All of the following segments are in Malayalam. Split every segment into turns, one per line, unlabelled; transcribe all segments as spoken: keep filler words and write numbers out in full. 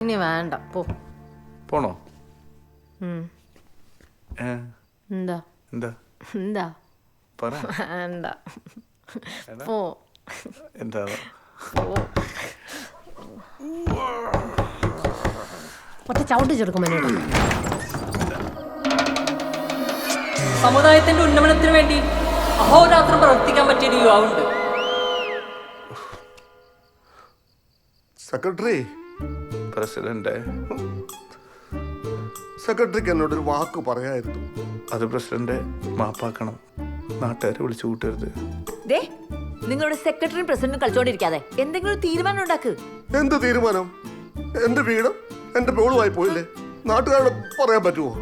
ഇനി വേണ്ട പോ.
പോണോ?
എന്താ
എന്താ
എന്താ
പറ.
വേണ്ട പോ.
എന്താ
ഒറ്റ ചവിട്ടി ചെറുക്കും മനുവേട്ടാ.
സമുദായത്തിന്റെ ഉന്നമനത്തിന് വേണ്ടി അഹോരാത്രം പ്രവർത്തിക്കാൻ പറ്റിയ ഒരു യുവാവുണ്ട്.
സെക്രട്ടറി
പ്രസിഡന്റ്,
സെക്രട്ടറിക്ക് എന്നോടൊരു വാക്ക് പറയായിരുന്നു.
അത് പ്രസിഡന്റ് മാപ്പാക്കണം. നാട്ടുകാരെ വിളിച്ചു കൂട്ടരുത്.
നിങ്ങളുടെ സെക്രട്ടറിയും പ്രസിഡന്റും കളിച്ചോണ്ടിരിക്കാതെ എന്തെങ്കിലും തീരുമാനം ഉണ്ടാക്ക്.
എന്ത് തീരുമാനം? എന്റെ വീടും എന്റെ പേളുമായി പോയില്ലേ, നാട്ടുകാരോട് പറയാൻ പറ്റുമോ?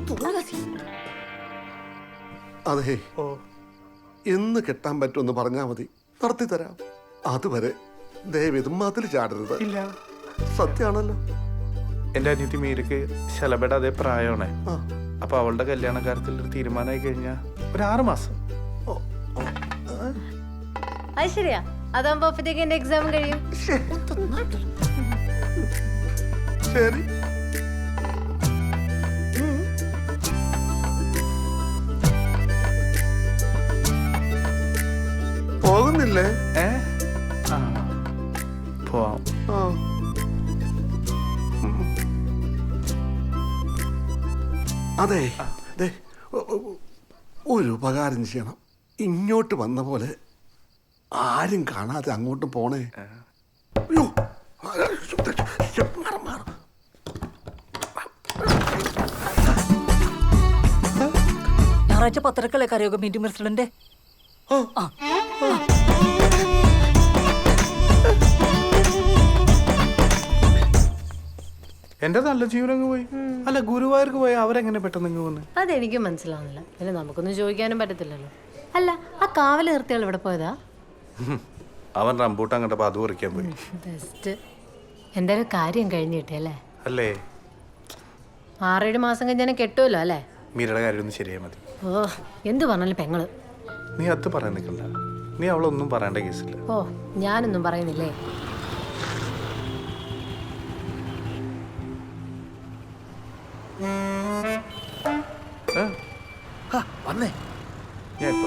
അതെ, എന്ന് കെട്ടാൻ പറ്റുമെന്ന് പറഞ്ഞാൽ മതി, നടത്തി തരാം. അതുവരെ ദയവേത് മതിൽ ചാടരുത്.
ഇല്ല,
സത്യാണല്ലോ.
എന്റെ അനിയത്തി മീരക്ക് ശലഭയുടെ അതേ പ്രായമാണ്. അപ്പൊ അവളുടെ കല്യാണ കാര്യത്തിൽ ഒരു തീരുമാനമായി കഴിഞ്ഞാൽ ഒരു ആറ് മാസം.
അത് ശരിയാ, അതാകുമ്പോ അപ്പത്തേക്ക് എന്റെ എക്സാം കഴിയും.
ശരി, പോകുന്നില്ലേ?
ഏ ആ പോവാം.
ആ, അതെ, ദേ, ഒരു ഉപകാരം ചെയ്യണം. ഇങ്ങോട്ട് വന്ന പോലെ ആരും കാണാതെ അങ്ങോട്ട് പോണേ. അയ്യോ, മാറ്, മാറ്.
ഞായറാഴ്ച പത്രക്കളെ കരയോഗ മീറ്റിംഗ് പ്രസിഡന്റ്.
എന്റെ നല്ല ജീവനങ്ങ് പോയി. അല്ല, ഗുരുവായൂർക്ക് പോയി അവരെങ്ങനെ പെട്ടെന്ന് ഇങ്ങ് വന്ന്?
അതെനിക്കും മനസ്സിലാവുന്നില്ല. പിന്നെ നമുക്കൊന്നും ചോദിക്കാനും പറ്റത്തില്ലല്ലോ. അല്ല, ആ കാവല് നിർത്തിയാൾ ഇവിടെ പോയതാ?
അവൻ റംബൂട്ടാൻ കണ്ടപ്പോ അത് പറിക്കാൻ പോയി.
ബെസ്റ്റ്. എന്തായാലും കാര്യം കഴിഞ്ഞ് കിട്ടിയല്ലേ?
അല്ലേ?
ആറേഴ് മാസം കഴിഞ്ഞാൽ കെട്ടുമല്ലോ അല്ലേ?
മീരയുടെ കാര്യം ഒന്ന് ശരിയായി മതി.
ഓ, എന്ത് പറഞ്ഞാലും പെങ്ങള്.
നീ അത് പറയാൻ നിൽക്കണ്ട. നീ അവളൊന്നും പറയേണ്ട കേസില്ല.
ഓ, ഞാനൊന്നും പറയുന്നില്ലേ.
വന്നേ,
ഞാൻ ഇപ്പൊ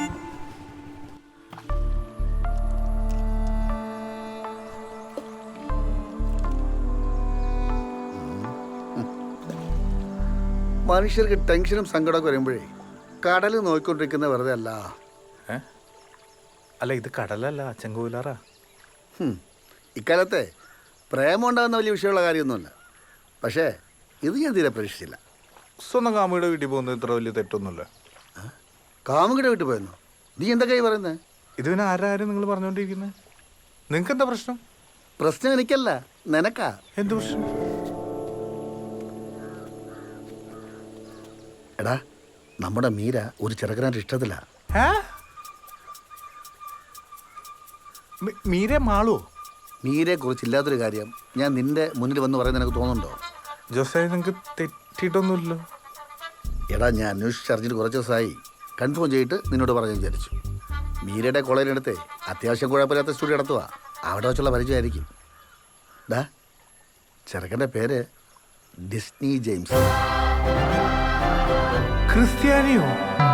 മനുഷ്യർക്ക് ടെൻഷനും സങ്കടമൊക്കെ വരുമ്പോഴേ കടൽ നോക്കിക്കൊണ്ടിരിക്കുന്ന വെറുതെ അല്ല.
അല്ല, ഇത് കടലല്ല, ചെങ്കോലാറാ.
ഇക്കാലത്തെ പ്രേമം ഉണ്ടാകുന്ന വലിയ വിഷയമുള്ള കാര്യമൊന്നുമല്ല. പക്ഷേ ഇത് ഞാൻ തീരെ പ്രതീക്ഷിച്ചില്ല.
സ്വന്തം കാമുകിയുടെ വീട്ടിൽ പോകുന്നത് ഇത്ര വലിയ തെറ്റൊന്നുമില്ല.
കാമുകിയുടെ വീട്ടിൽ പോയെന്നോ? നീ എന്തൊക്കെയായി പറയുന്നത്?
ഇത് പിന്നെ ആരാരും നിങ്ങൾ പറഞ്ഞുകൊണ്ടിരിക്കുന്നത്? നിങ്ങൾക്ക് എന്താ പ്രശ്നം?
പ്രശ്നം എനിക്കല്ല, നിനക്കാ.
എന്ത് പ്രശ്നം?
എടാ, നമ്മുടെ മീര ഒരു ചെറുക്കനായിട്ട് ഇഷ്ടത്തില്ല.
മീരെ മാളോ?
മീരയെ കുറിച്ചില്ലാത്തൊരു കാര്യം ഞാൻ നിന്റെ മുന്നിൽ വന്ന് പറയുന്നത് നിനക്ക് തോന്നുന്നുണ്ടോ?
ജോസേ, നിങ്ങൾക്ക് തെറ്റിയിട്ടൊന്നുമില്ലല്ലോ.
എടാ, ഞാൻ അന്വേഷിച്ചറിഞ്ഞിട്ട് കുറച്ച് ദിവസമായി. കൺഫേം ചെയ്തിട്ട് നിന്നോട് പറഞ്ഞു വിചാരിച്ചു. മീരയുടെ കോളേജിനടുത്ത് അത്യാവശ്യം കുഴപ്പമില്ലാത്ത സ്റ്റുഡിയോ നടത്തുക. അവിടെ വെച്ചുള്ള പരിചയമായിരിക്കും. ഡാ, ചെറുക്കൻ്റെ പേര് ഡിസ്നി ജെയിംസ്.
ക്രിസ്ത്യാനിയോ?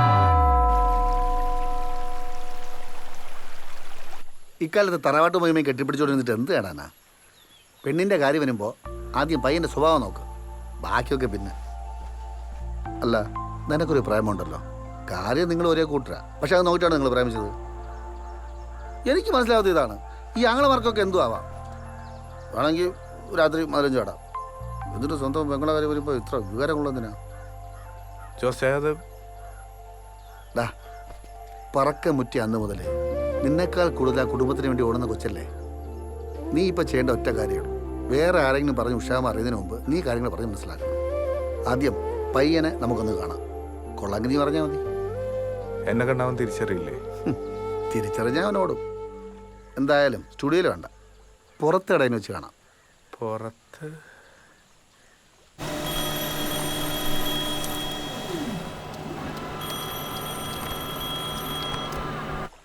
ഇക്കാലത്ത് തറവാട്ട് മഹിമയും കെട്ടിപ്പിടിച്ചോണ്ടിരുന്നിട്ട് എന്ത് കാണാനാ? പെണ്ണിൻ്റെ കാര്യം വരുമ്പോൾ ആദ്യം പയ്യൻ്റെ സ്വഭാവം നോക്ക്, ബാക്കിയൊക്കെ പിന്നെ. അല്ല, നിനക്കൊരു പ്രേമമുണ്ടല്ലോ. കാര്യം നിങ്ങൾ ഒരേ കൂട്ടരാ, പക്ഷെ അത് നോക്കിയിട്ടാണ് നിങ്ങൾ പ്രേമിച്ചത്. എനിക്ക് മനസ്സിലാവാത്ത ഇതാണ്. ഈ ആങ്ങളമാർക്കൊക്കെ എന്തു ആവാം. വേണമെങ്കിൽ രാത്രി മധുരം ചാടാം. എന്നിട്ട് സ്വന്തം പെങ്ങളെ കാര്യം വരുമ്പോൾ ഇത്ര വികാരമുള്ളതിനാ?
ജോസേ, അത്
ഡാ, പറക്ക മുറ്റി അന്ന് മുതലേ നിന്നേക്കാൾ കൂടുതൽ ആ കുടുംബത്തിന് വേണ്ടി ഓടുന്ന കൊച്ചല്ലേ. നീ ഇപ്പം ചെയ്യേണ്ട ഒറ്റ കാര്യമാണ്, വേറെ ആരെങ്കിലും പറഞ്ഞ് ഉഷാമ അറിയുന്നതിന് മുമ്പ് നീ കാര്യങ്ങൾ പറഞ്ഞ് മനസ്സിലാക്കണം. ആദ്യം പയ്യനെ നമുക്കൊന്ന് കാണാം. കൊള്ളാങ്കി നീ പറഞ്ഞാൽ മതി.
എന്നെ കണ്ടാവൻ തിരിച്ചറിയില്ലേ?
തിരിച്ചറിഞ്ഞാൽ അവനോടും. എന്തായാലും സ്റ്റുഡിയോയിൽ വേണ്ട, പുറത്തിടയിൽ വെച്ച് കാണാം.
പുറത്ത്?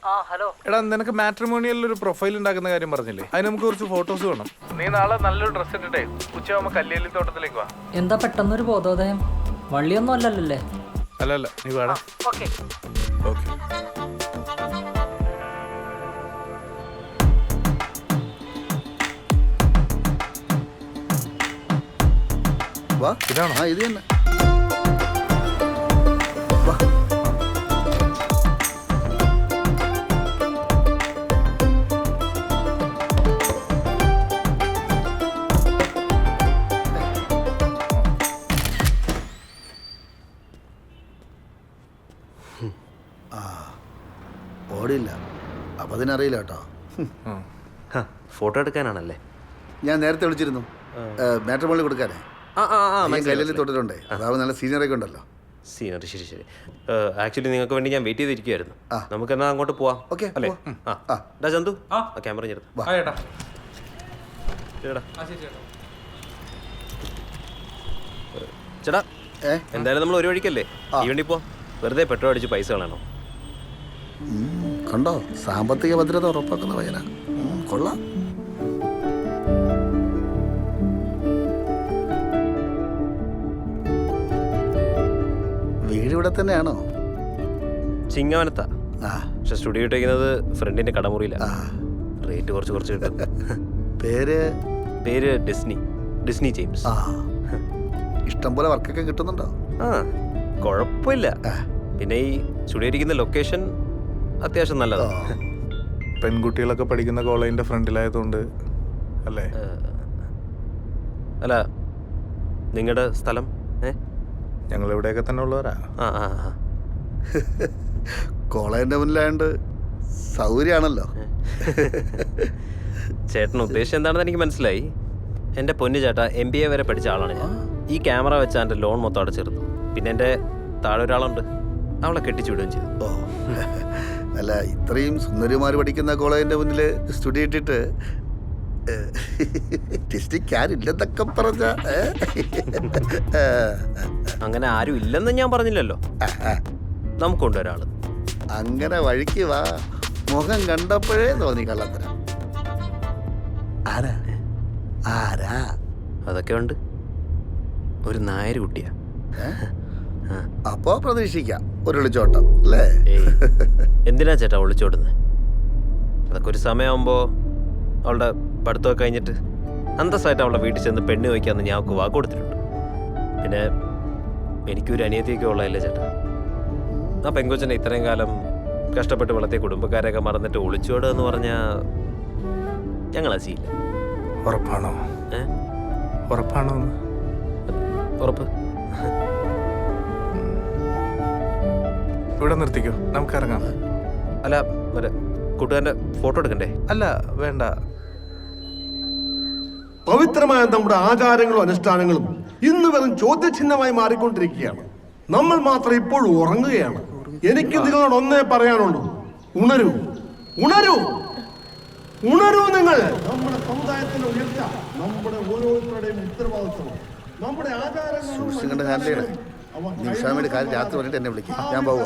ആ ഹലോ.
എടാ നിനക്ക് മാട്രിമോണിയലിൽ ഒരു പ്രൊഫൈൽ ഉണ്ടാക്കുന്ന കാര്യം പറഞ്ഞില്ലേ? അതിന് നമുക്ക് കുറച്ച് ഫോട്ടോസ് വേണം. നീ നാളെ നല്ലൊരു ഡ്രസ് ഇട്ടിട്ടേ ഉച്ചയാകുമ്പോ കല്ലേലി തോട്ടത്തിലേക്ക് വാ.
എന്താ പെട്ടെന്നൊരു ബോധോദയം? വള്ളിയൊന്നും അല്ലല്ലേ?
അല്ല അല്ല നീ വേടാ.
ഓക്കെ.
ഓക്കെ.
വാ
ഇതാണോ?
ആ ഇത് തന്നെ. വാ. ഓടിയില്ല അപ്പം അതിനറിയില്ല കേട്ടോ.
ഫോട്ടോ എടുക്കാനാണല്ലേ?
ഞാൻ നേരത്തെ വിളിച്ചിരുന്നു മാട്രിമോണി കൊടുക്കാനേ.
ആ ആ ആ
കയ്യിൽ തൊട്ടിട്ടുണ്ടേ. അതാവും നല്ല സീനിയറൊക്കെ ഉണ്ടല്ലോ.
സീനറി ശരി ശരി. ആക്ച്വലി നിങ്ങൾക്ക് വേണ്ടി ഞാൻ വെയിറ്റ് ചെയ്തിരിക്കുവായിരുന്നു.
ആ.
നമുക്ക് എന്നാ അങ്ങോട്ട് പോവാം.
ഓക്കെ,
അല്ലേ?
പോവാം.
ആ
ആ.
ഡാ ചന്തു ആ ക്യാമറ ഞെടുത്ത്.
വാ.
ആ ചേട്ടാ.
ചേട്ടാ ചേട്ടാ
ഏ
എന്തായാലും നമ്മൾ ഒരു വഴിക്കല്ലേ ഈ വണ്ടി പോ. വെറുതെ പെട്രോൾ അടിച്ച് പൈസ കളയണോ?
ഉം, കണ്ടോ സാമ്പത്തിക ഭദ്രത ഉറപ്പാക്കുന്ന പയ്യനാ. ഉം, കൊള്ളാം. വീട് ഇവിടെ തന്നെയാണോ?
ചിങ്ങവനത്താ.
ആ
പക്ഷെ സ്റ്റുഡിയോ ഇട്ടേക്കുന്നത് ഫ്രണ്ടിന്റെ കടമുറിയില്ല.
ആ.
റേറ്റ് കുറച്ച് കുറച്ച് കിട്ടും.
പേര്
പേര് ഡിസ്നി ഡിസ്നി ജെയിംസ്.
ആ ഇഷ്ടം പോലെ വർക്കൊക്കെ കിട്ടുന്നുണ്ടോ?
ആ കുഴപ്പമില്ല. പിന്നെ ഈ സ്റ്റുഡിയോ ഇരിക്കുന്ന ലൊക്കേഷൻ അത്യാവശ്യം നല്ലതാണ്.
പെൺകുട്ടികളൊക്കെ പഠിക്കുന്ന കോളേജിന്റെ ഫ്രണ്ടിലായതുകൊണ്ട് അല്ലേ?
അല്ല നിങ്ങളുടെ സ്ഥലം? ഏ
ഞങ്ങൾ ഇവിടെയൊക്കെ തന്നെ ഉള്ളവരാ.
ആ ആ ആ
കോളേജിന്റെ മുന്നിലായോണ്ട് സൗകര്യമാണല്ലോ.
ചേട്ടൻ ഉദ്ദേശം എന്താണെന്ന് എനിക്ക് മനസ്സിലായി. എൻ്റെ പൊന്നു ചേട്ടാ, എം ബി എ വരെ പഠിച്ച ആളാണ് ഞാൻ. ഈ ക്യാമറ വെച്ചാൽ എൻ്റെ ലോൺ മൊത്തം അടച്ചിരുന്നു. പിന്നെ എൻ്റെ താഴെ ഒരാളുണ്ട്, അവളെ കെട്ടിച്ചു വിടുകയും ചെയ്തു.
ഓ അല്ല ഇത്രയും സുന്ദരിമാർ പഠിക്കുന്ന കോളേജിന്റെ മുന്നിൽ സ്റ്റുഡിയോ ഇട്ടിട്ട് ടിസ്റ്റിക്കാരില്ലെന്നൊക്കെ പറഞ്ഞ
അങ്ങനെ ആരും ഇല്ലെന്ന് ഞാൻ പറഞ്ഞില്ലല്ലോ. നമുക്കുണ്ട് ഒരാള്.
അങ്ങനെ വഴിക്ക് വാ. മുഖം കണ്ടപ്പോഴേ തോന്നി കള്ളത്തരം. ആരാ ആരാ?
അതൊക്കെ ഉണ്ട്. ഒരു നായര് കുട്ടിയാ.
അപ്പോ പ്രതീക്ഷിക്കാം ഒരു വിളിച്ചോട്ടം അല്ലേ?
ഏയ് എന്തിനാ ചേട്ടാ ഒളിച്ചോടുന്നത്? അതൊക്കെ ഒരു സമയമാകുമ്പോൾ അവളുടെ പഠിത്തമൊക്കെ കഴിഞ്ഞിട്ട് അന്തസ്സായിട്ട് അവളുടെ വീട്ടിൽ ചെന്ന് പെണ്ണ് വയ്ക്കാമെന്ന് ഞാൻ അവൾക്ക് വാക്ക് കൊടുത്തിട്ടുണ്ട്. പിന്നെ എനിക്കൊരു അനിയത്തിയൊക്കെ ഉള്ളതല്ലേ ചേട്ടാ. ആ പെങ്കൊച്ചനെ ഇത്രയും കാലം കഷ്ടപ്പെട്ട് വളർത്തിയ കുടുംബക്കാരെയൊക്കെ മറന്നിട്ട് ഒളിച്ചോടുക എന്ന് പറഞ്ഞാൽ ഞങ്ങളാ ചെയ്യില്ല.
ഉറപ്പാണോ?
ഏ
ഉറപ്പാണോ?
ഉറപ്പ്.
ഇവിടെ നിർത്തിക്കോ, നമുക്ക് ഇറങ്ങാം.
അല്ല മറ്റേ കൂട്ടുകാരൻ്റെ ഫോട്ടോ എടുക്കണ്ടേ?
അല്ല വേണ്ട.
പവിത്രമായ നമ്മുടെ ആചാരങ്ങളും അനുഷ്ഠാനങ്ങളും ഇന്ന് വെറും ചോദ്യചിഹ്നമായി മാറിക്കൊണ്ടിരിക്കുകയാണ്. നമ്മൾ മാത്രം ഇപ്പോഴും ഉറങ്ങുകയാണ്. എനിക്ക് നിങ്ങളോട് ഒന്നേ പറയാനുള്ളൂ, ഉണരൂ, ഉണരൂ, ഉണരൂ. നിങ്ങൾ നമ്മുടെ സമുദായത്തിന്റെ ഉയർച്ച നമ്മുടെ ഓരോരുത്തരുടെയും ഉത്തരവാദിത്വം. നമ്മുടെ
സൂക്ഷിച്ചും കണ്ട് ഹാൻഡിൽ ചെയ്യണേ. നിമിഷാമിയുടെ കാര്യം രാത്രി പറഞ്ഞിട്ട് എന്നെ വിളിക്കും. ഞാൻ പോവാ.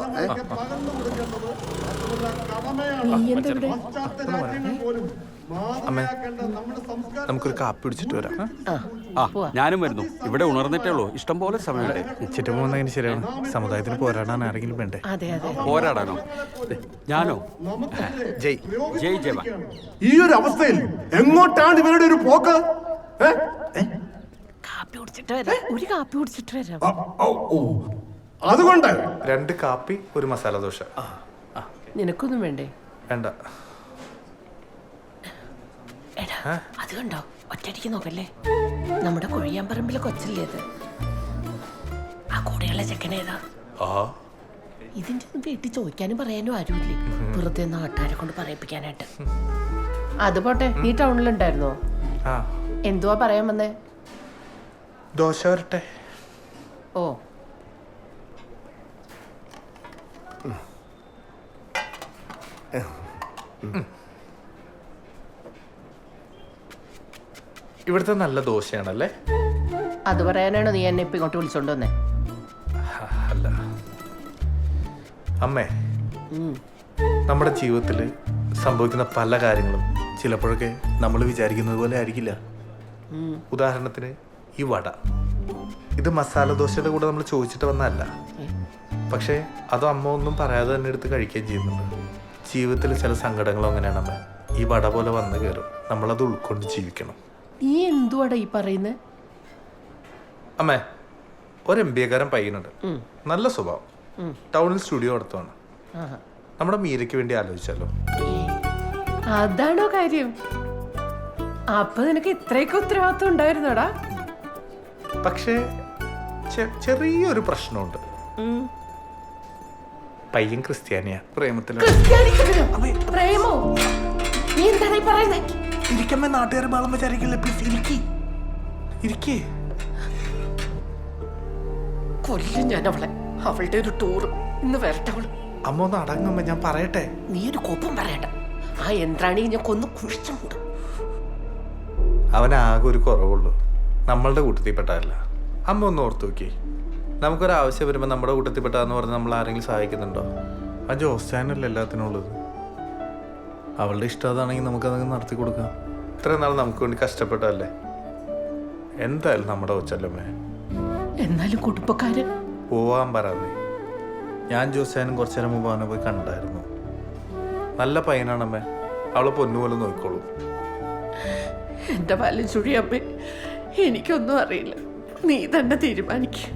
അമ്മേ നമുക്കൊരു കാപ്പി പിടിച്ചിട്ട് വരാം.
ആ ഞാനും വരുന്നു. ഇവിടെ ഉണർന്നിട്ടേ ഉള്ളൂ, ഇഷ്ടം പോലെ സമയമുണ്ട്.
ചുറ്റും പോകുന്നതിന് ശരിയാണ്. സമുദായത്തിന് പോരാടാൻ ആരെങ്കിലും വേണ്ടേ?
അതെ അതെ.
പോരാടാനോ? ഞാനോ?
ജയ്
ജയ് ജവാൻ.
ഈ ഒരു അവസ്ഥയിൽ എങ്ങോട്ടാണ് ഇവരുടെ ഒരു പോക്ക്? ഏ?
കാപ്പി കുടിച്ചിട്ട് വരാം. ഒരു കാപ്പി കുടിച്ചിട്ട് വരാം.
ആ, ഓ, ഓ. അതുകൊണ്ട്
രണ്ട് കാപ്പി ഒരു മസാല ദോശ.
നിനക്കൊന്നും വേണ്ടേ?
വേണ്ട.
എടാ അത് കണ്ടോ, ഒറ്റയടിക്ക് നോക്കല്ലേ. നമ്മുടെ കൊഴിയാമ്പറമ്പിലെ കൊച്ചല്ലേ അത്? ആ കൂടെയുള്ള ചെക്കനേതാ? ഇതിന്റെ ഒന്നും വീട്ടിൽ ചോദിക്കാനും പറയാനും ആരുമില്ലേ, വെറുതെ നാട്ടുകാരെ കൊണ്ട് പറയിപ്പിക്കാനായിട്ട്. അത് പോട്ടെ, നീ ടൗണിലുണ്ടായിരുന്നോ?
ആ
എന്തുവാ പറയാൻ വന്നേ?
ദോശ വരട്ടെ.
ഓ
ഇവിടുത്തെ നല്ല ദോശയാണല്ലേ?
അത് പറയാനാണോ നീ എന്നെ ഇപ്പൊ ഇങ്ങോട്ട് വിളിച്ചോണ്ട് വന്നേ?
അല്ല അമ്മേ,
ഉം.
നമ്മുടെ ജീവിതത്തിൽ സംഭവിക്കുന്ന പല കാര്യങ്ങളും ചിലപ്പോഴൊക്കെ നമ്മൾ വിചാരിക്കുന്നത് പോലെ ആയിരിക്കില്ല. ഉദാഹരണത്തിന് ഈ വട, ഇത് മസാല ദോശയുടെ കൂടെ നമ്മൾ ചോദിച്ചിട്ട് വന്നതല്ല. പക്ഷേ അത് അമ്മ ഒന്നും പറയാതെ തന്നെ എടുത്ത് കഴിക്കുകയും ചെയ്യുന്നുണ്ട്. ജീവിതത്തിൽ ചില സങ്കടങ്ങളും അങ്ങനെയാണ് അമ്മ. ഈ വട പോലെ വന്ന് കയറും, നമ്മളത് ഉൾക്കൊണ്ട് ജീവിക്കണം.
നീ എന്തുവാടാ ഈ പറയുന്നത്?
അമ്മേ, ഒരു എം ബി എക്കാരൻ പയ്യനുണ്ട്, നല്ല സ്വഭാവം, ടൗണിൽ സ്റ്റുഡിയോ നടത്തുവാണ്. നമ്മുടെ മീരയ്ക്ക് വേണ്ടി ആലോചിച്ചാലോ?
അതാണോ കാര്യം? അപ്പൊ നിനക്ക് ഇത്രയൊക്കെ ഉത്തരവാദിത്വം ഉണ്ടായിരുന്നോടാ?
പക്ഷേ ചെ- ചെറിയൊരു പ്രശ്നമുണ്ട്. പയ്യൻ ക്രിസ്ത്യാനിയാ, പ്രേമത്തിലാണ്.
പ്രേമോ? നീ എന്താണ് ഈ പറയുന്നത്?
ഇരിക്കമ്മേ, നാട്ടുകാരെ ബാളം വിചാരിക്കില്ല. പ്ലീസ് ഇരിക്കി ഇരിക്കേ.
കൊല്ലും ഞാൻ അവളെ. അവളുടെ ഒരു ടൂർ ഇന്ന് വരട്ടെ അവള്.
അമ്മ ഒന്ന് അടങ്ങമ്മ, ഞാൻ പറയട്ടെ.
നീ ഒരു കോപ്പം പറയണ്ട. ആ യന്ത്രാണി ഞാൻ കൊന്നു കുഴിച്ചുണ്ട്.
അവനാകെ ഒരു കുറവുള്ളൂ, നമ്മളുടെ കൂട്ടത്തിൽപ്പെട്ടതല്ല. അമ്മ ഒന്ന് ഓർത്ത് നോക്കി, നമുക്കൊരാവശ്യം വരുമ്പോൾ നമ്മുടെ കൂട്ടത്തിൽപ്പെട്ടാന്ന് പറഞ്ഞ് നമ്മൾ ആരെങ്കിലും സഹായിക്കുന്നുണ്ടോ? ആ ജോസ്റ്റാനല്ല എല്ലാത്തിനും ഉള്ളത്. അവളുടെ ഇഷ്ടം അതാണെങ്കിൽ നമുക്കതങ്ങ് നടത്തി കൊടുക്കാം. ഇത്രയും നാൾ നമുക്ക് വേണ്ടി കഷ്ടപ്പെട്ടല്ലേ. എന്തായാലും നമ്മുടെ കൊച്ചല്ലമ്മേ.
എന്നാലും കുടുംബക്കാരൻ
പോവാൻ പറയാതെ. ഞാൻ ജോസ്റ്റാനും കുറച്ചു നേരം മുമ്പ് അവനെ പോയി കണ്ടായിരുന്നു. നല്ല പയ്യനാണമ്മേ, അവളെ പൊന്നുപോലെ നോക്കിക്കോളൂ.
എന്റെ പാലും ചുഴിയമ്മേ, എനിക്കൊന്നും അറിയില്ല. നീ തന്നെ തീരുമാനിക്കും.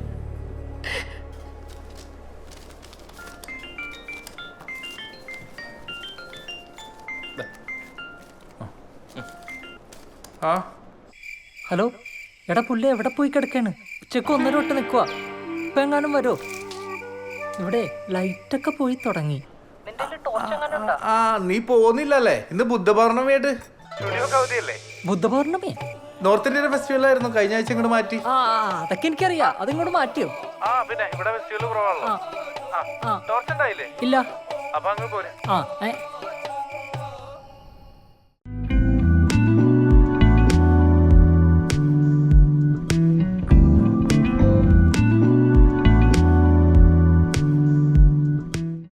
ആ
ഹലോ, എടാ പുള്ളി എവിടെ പോയി കിടക്കാണ്? ഉച്ചക്ക് ഒന്നര തൊട്ട് നിൽക്കുക. ഇപ്പൊ എങ്ങാനും വരോ? ഇവിടെ ലൈറ്റൊക്കെ പോയി തുടങ്ങി.
ആ നീ പോകുന്നില്ലല്ലേ? ഇന്ന് ബുദ്ധപൗർണമിയായിട്ട്
ബുദ്ധപൗർണമി
നോർത്ത് ഇന്ത്യൻ ഫെസ്റ്റിവൽ ആയിരുന്നു, കഴിഞ്ഞ ആഴ്ച ഇങ്ങോട്ട് മാറ്റി.
ആ അതൊക്കെ എനിക്കറിയാം. അതിങ്ങോട്ട് മാറ്റിയോ?
ആ പിന്നെ ഇവിടെ ഫെസ്റ്റിവൽ കുറവാണല്ലോ.
ഇല്ല.
അപ്പൊ അങ്ങ് പോരെ.
ആ ഏ